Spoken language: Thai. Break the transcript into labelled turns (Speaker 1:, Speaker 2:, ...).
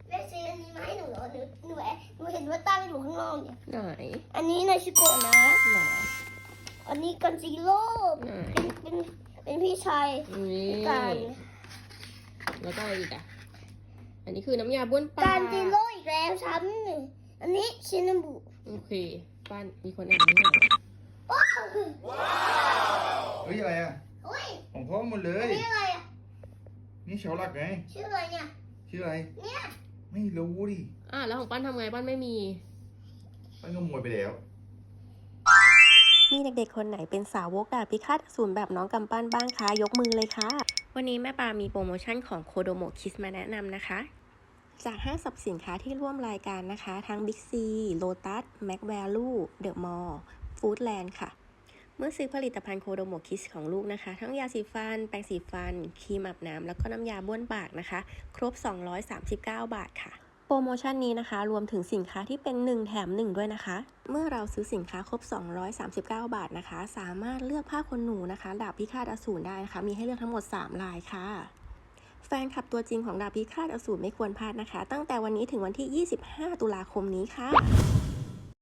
Speaker 1: แม่ซื้ออันนี้มาให้หนูเหรอหนูเห็นว่าตั้งอยู่ข้างนอกเนี่ย
Speaker 2: ไหน
Speaker 1: อันนี้นาชิโกะนะ
Speaker 2: หรอ
Speaker 1: อันนี้กันซีโร่
Speaker 2: ไหน
Speaker 1: เป็นพี่ชาย
Speaker 2: นี่
Speaker 1: กัน
Speaker 2: แล้วก็อะไรอีกอ่ะอันนี้คือน้ำยาบ้วนปาก
Speaker 1: กันซีโร่อีกแล้วซ้ำอันนี้ชินาบุ
Speaker 2: โอเคป้านมีคนอ่านนี่หน่อย
Speaker 1: ว้าว
Speaker 3: เฮ้ยอะไรอ่ะ
Speaker 1: เฮ้ย
Speaker 3: ของพ่อหมดเล
Speaker 1: อั
Speaker 3: ย
Speaker 1: นนี้อะไรอ่ะ
Speaker 3: นี่เชาลักไง
Speaker 1: ชื่ออะไรเนี่ย
Speaker 3: ชื่ออะไร
Speaker 1: เนี่ย
Speaker 3: ไม่รู้ดิ
Speaker 2: แล้วของป้านทำไงป้านไม่มี
Speaker 3: มันขโมยไปแล้ว
Speaker 4: มีเด็กๆ คนไหนเป็นสาวกดาบพิฆาตอสูรแบบน้องกำปั้นบ้างคะ ยกมือเลยค่ะ วันนี้แม่ปามีโปรโมชั่นของโคโดโมะคิสมาแนะนำนะคะ จากห้างสรรพสินค้าที่ร่วมรายการนะคะ ทั้ง Big C, Lotus, Mac Value, The Mall, Foodland ค่ะ เมื่อซื้อผลิตภัณฑ์โคโดโมะคิสของลูกนะคะ ทั้งยาสีฟัน แปรงสีฟัน ครีมอาบน้ำแล้วก็น้ำยาบ้วนปากนะคะ ครบ 239 บาทค่ะ โปรโมชั่นนี้นะคะรวมถึงสินค้าที่เป็น1แถม1ด้วยนะคะเมื่อเราซื้อสินค้าครบ239 บาทนะคะสามารถเลือกผ้าขนหนูนะคะดาบพิฆาตอสูรได้นะคะมีให้เลือกทั้งหมด3ลายค่ะแฟนคลับตัวจริงของดาบพิฆาตอสูรไม่ควรพลาดนะคะตั้งแต่วันนี้ถึงวันที่25 ตุลาคมนี้ค่ะ